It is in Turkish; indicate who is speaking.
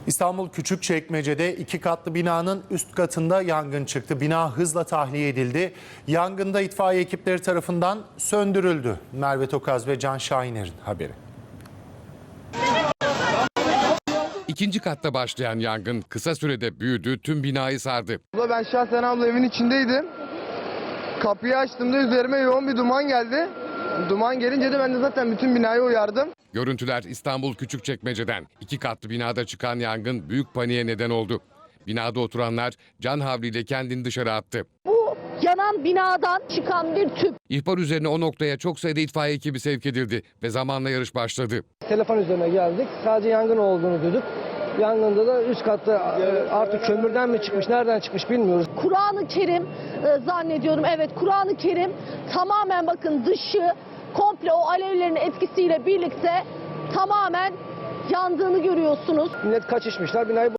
Speaker 1: İstanbul Küçükçekmece'de 2 katlı binanın üst katında yangın çıktı. Bina hızla tahliye edildi. Yangında itfaiye ekipleri tarafından söndürüldü. Merve Tokaz ve Can Şahiner'in haberi.
Speaker 2: İkinci katta başlayan yangın kısa sürede büyüdü, tüm binayı sardı.
Speaker 3: Ben şahsen evin içindeydim. Kapıyı açtığımda üzerime yoğun bir duman geldi. Duman gelince de ben de zaten bütün binayı uyardım.
Speaker 2: Görüntüler İstanbul Küçükçekmece'den. 2 katlı binada çıkan yangın büyük paniğe neden oldu. Binada oturanlar can havliyle kendini dışarı attı.
Speaker 4: Bu yanan binadan çıkan bir tüp.
Speaker 2: İhbar üzerine o noktaya çok sayıda itfaiye ekibi sevk edildi ve zamanla yarış başladı.
Speaker 5: Telefon üzerine geldik. Sadece yangın olduğunu duyduk. Yangında da üst katta artık kömürden mi çıkmış, nereden çıkmış bilmiyoruz.
Speaker 4: Kur'an-ı Kerim zannediyorum. Evet, Kur'an-ı Kerim tamamen bakın dışı komple o alevlerin etkisiyle birlikte tamamen yandığını görüyorsunuz.
Speaker 5: Millet kaçışmışlar, binayı